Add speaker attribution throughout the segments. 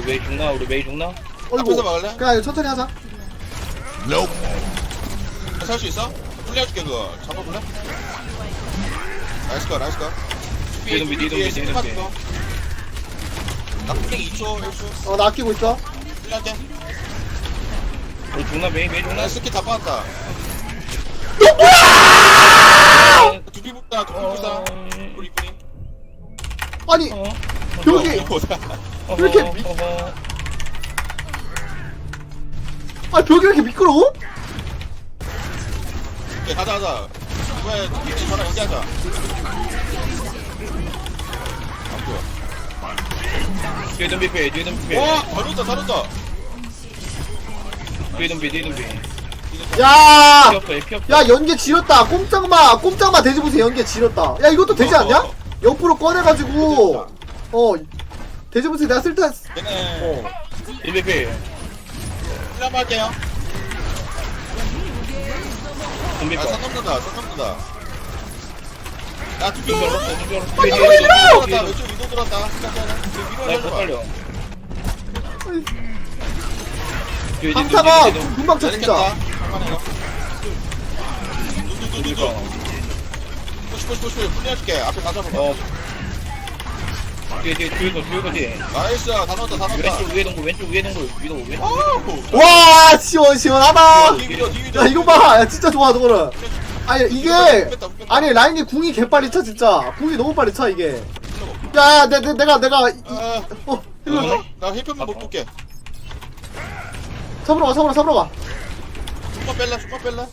Speaker 1: 메이 죽나? 우리 메이 죽나?
Speaker 2: 앞에서 막을래?
Speaker 3: 그냥 이거 천천히 하자.
Speaker 2: 살 수 있어? 풀려줄게 그거 잡아볼래? 나이스 거 나이스 거
Speaker 1: 뒤에 덤비.
Speaker 2: 나 풀링 2초 1초
Speaker 3: 나 아끼고 있어.
Speaker 2: 풀릴게
Speaker 1: 우리 죽나? 메이 죽나?
Speaker 2: 나 스킬 다 빠졌다 두피 붙다 우리 뿌리
Speaker 3: 아니, 여기. 왜 이렇게 아, 벽이 왜 이렇게 미끄러워?
Speaker 2: 오케이 가자 왜 저랑 얘기하자 안 보여
Speaker 1: 뒤에 덤비 피해.
Speaker 2: 와 다른다
Speaker 1: 뒤에 덤비.
Speaker 3: 야!
Speaker 1: 피 없어.
Speaker 3: 야, 연계 지렸다. 꼼짝마 돼지부세 연계 지렸다. 야, 이것도 되지 않냐? 0% 꺼내가지고, 돼지부세 내가 쓸 때,
Speaker 2: 얘네
Speaker 1: 1배
Speaker 2: 풀람 할게요
Speaker 1: 덤비
Speaker 2: 아
Speaker 1: 거.
Speaker 2: 선 넘는다 야 두피
Speaker 1: 뒤에
Speaker 2: 들어왔다 왼쪽 위도 들어왔다
Speaker 1: 나못 살려. 뒤에
Speaker 3: 강타가
Speaker 1: 덤비.
Speaker 3: 금방 쳐, 진짜.
Speaker 2: push 풀려줄게 앞에 다 잡아
Speaker 1: 뒤에.
Speaker 2: 나이스 다 넣었다
Speaker 1: 왼쪽 위에 동굴. 위도.
Speaker 3: 와, 시원하다.
Speaker 2: 뒤위로
Speaker 3: 야, 이거 봐. 야, 진짜 좋아, 저거는. 아니, 이게, 아니, 라인이 궁이 개빨리 차, 진짜. 궁이 너무 빨리 차, 이게. 야, 내가, 이거,
Speaker 2: 나 힐편만 못 볼게
Speaker 3: 잡으러 가.
Speaker 2: 숨만 뺄래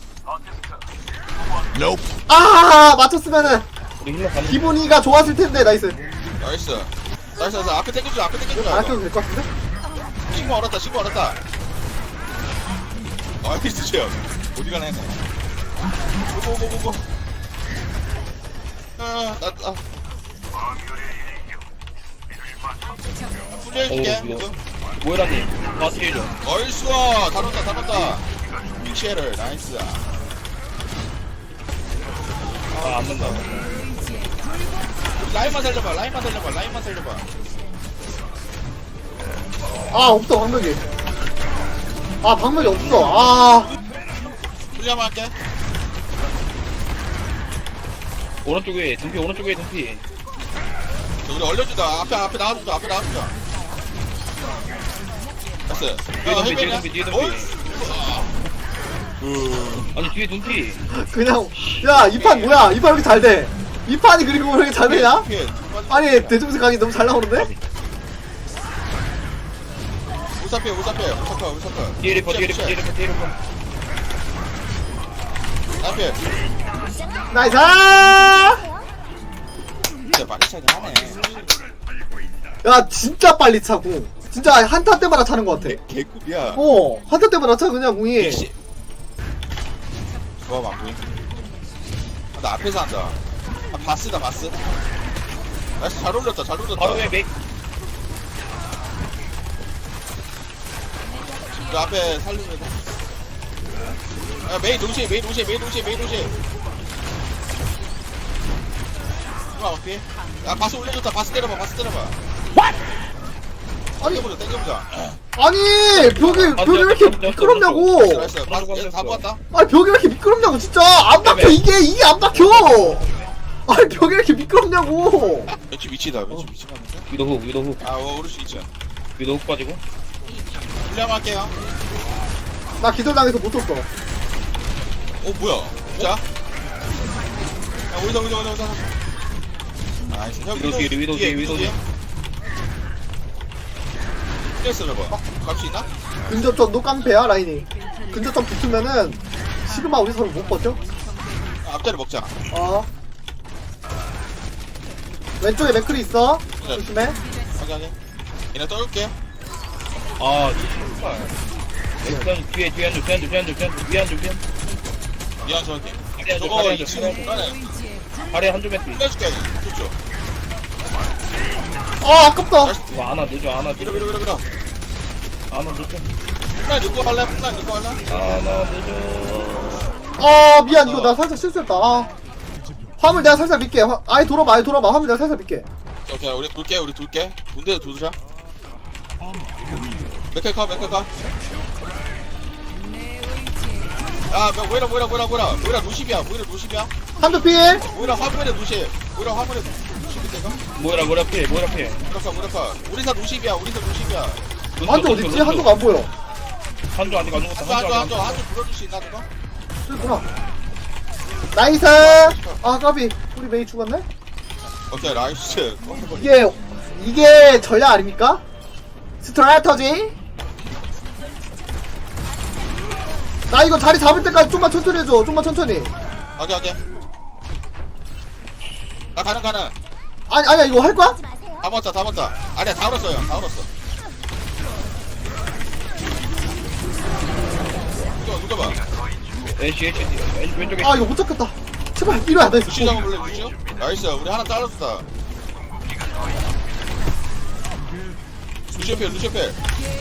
Speaker 3: 아, 맞췄으면은,
Speaker 1: 우리 힐러 가는.
Speaker 3: 기분이가 좋았을 텐데, 나이스.
Speaker 2: 나이스 앞에 당겨주자
Speaker 3: 안 아껴도 될 것 같은데?
Speaker 2: 신고 얼었다 나이스 제요 어디 가나 했네 고고고고고 풀려줄게
Speaker 1: 모이라님 마스케이죠.
Speaker 2: 나이스 다 넣었다 빅쉐를 나이스
Speaker 1: 안 된다.
Speaker 2: 라인만 살려봐
Speaker 3: 아, 없어, 방벽이. 아, 방벽이 없어.
Speaker 2: 풀려만 할게
Speaker 1: 오른쪽에 덤비.
Speaker 2: 우리 얼려주자 앞에 나와주자 나이스
Speaker 1: 뒤에 덤비. 아니 뒤에 덤비.
Speaker 3: 그냥, 야, 이 판 뭐야? 이 판 왜 이렇게 잘 돼? 이 판이 그리고 왜 이렇게 잘 되냐? 아니, 대중수 강이 너무 잘 나오는데?
Speaker 2: 우사패
Speaker 1: 뒤에 리퍼.
Speaker 2: 앞에
Speaker 3: 나이스!
Speaker 2: 진짜 많이 차긴 하네
Speaker 3: 야, 진짜 빨리 차고. 진짜 한타 때마다 차는 것 같아.
Speaker 2: 개꿀이야
Speaker 3: 한타 때마다 차, 그냥 공이.
Speaker 2: 좋아 안 보임 나 앞에서 한다 바스다 나이스 잘 올렸다
Speaker 1: 바로 왜 메이.
Speaker 2: 그 앞에 살리면 돼. 야 메이 동시에 어떻게? 야 바스 올려줬다 바스 때려봐
Speaker 3: 아니,
Speaker 2: 땡겨보자
Speaker 3: 아니, 벽이 왜 이렇게 미끄럽냐고.
Speaker 2: 나이스 바스 다 모았다
Speaker 3: 아니, 벽이 왜 이렇게 미끄럽냐고, 진짜. 안 박혀, 이게 안 박혀. 아니, 벽이 왜 이렇게 미끄럽냐고.
Speaker 2: 왼쪽 위치다 미치겠는데?
Speaker 1: 위도 훅.
Speaker 2: 오를 수 있죠
Speaker 1: 위도 훅 빠지고.
Speaker 2: 훈련할게요
Speaker 3: 나 기절당해서 못 썼어.
Speaker 2: 뭐야 자 야, 오이다 나이스 형
Speaker 1: 위도 뒤에.
Speaker 2: 뛰었어 저거 갈 수 있나?
Speaker 3: 근접점 노깡패야, 라인이. 근접점 붙으면은, 시그마 우리 서로 못 버텨?
Speaker 2: 앞자리 먹자
Speaker 3: 왼쪽에 맥클이 있어. 조심해.
Speaker 2: 확인하게 얘네 떠올게
Speaker 1: 뒤에 한줄
Speaker 2: 미안 저한테
Speaker 1: 아래
Speaker 2: 저거
Speaker 1: 한줄
Speaker 2: 2층 중간에
Speaker 1: 아래 한줄 뺐지.
Speaker 2: 풀려줄게 좋죠
Speaker 3: 아깝다.
Speaker 1: 이거 하나 늦어.
Speaker 2: 밀어
Speaker 1: 하나 늦어.
Speaker 2: 풀라 넣고 할래?
Speaker 1: 하나 늦어.
Speaker 3: 미안, 이거 나 살짝 실수했다. 화물 내가 살살 밀게. 아예 돌아봐. 화물 내가 살살 밀게.
Speaker 2: 오케이 우리 돌게 문대도 도주자 맥클 가 야, 뭐이라 루십이야
Speaker 3: 한두 필.
Speaker 2: 뭐이라 화물에 루십 뭐이라 화물에 루십이 내가?
Speaker 1: 뭐라 피해.
Speaker 2: 뭐이라 우리사 루십이야
Speaker 3: 한두 어딨지? 한두가 안 보여.
Speaker 1: 한조 아직 안 죽었다.
Speaker 2: 한줄 불러줄 수 있나 그거?
Speaker 3: 저기구나. 나이스. 아 까비. 우리 메이 죽었네.
Speaker 2: 오케이 라이스
Speaker 3: 이게 전략 아닙니까? 스트라터지. 나 이거 자리 잡을 때까지 좀만 천천히 해줘. 좀만 천천히.
Speaker 2: 오케이 나 가는
Speaker 3: 아니야 이거 할 거야?
Speaker 2: 다 먹었다 아니야 다 얼었어요 누가 봐
Speaker 1: 애쉬 왼쪽에.
Speaker 3: 아 이거 못 잡겠다. 제발 이러야 돼.
Speaker 2: 루시 잡아볼래 루시? 나이스 우리 하나 잘랐다 루시 필 풀려줄게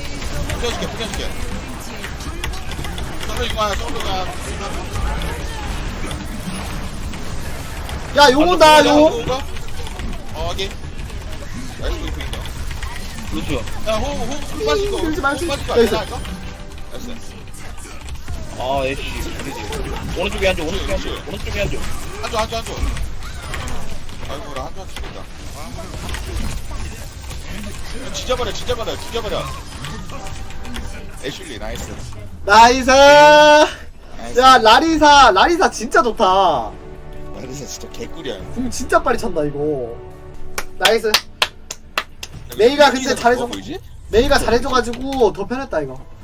Speaker 2: solve
Speaker 3: 야 용 온다 용.
Speaker 2: 확인 나이스 브리핑이다
Speaker 1: 루트.
Speaker 2: 야 호흡 빠지고
Speaker 3: 밀지 말지.
Speaker 2: 빠지고
Speaker 3: 나이스.
Speaker 2: 나이스
Speaker 1: 아 애쉬. 오른쪽에 한조.
Speaker 2: 한조 아이고 나 한조 죽겠다 지져버려 애슐리 나이스
Speaker 3: 나이스. 야 라리사 진짜 좋다.
Speaker 2: 라리사 진짜 개꿀이야
Speaker 3: 궁 진짜 빨리 찬다 이거. 나이스. 메이가 근데 잘해줘.
Speaker 2: 보이지?
Speaker 3: 메이가 잘해줘가지고 더 편했다 이거.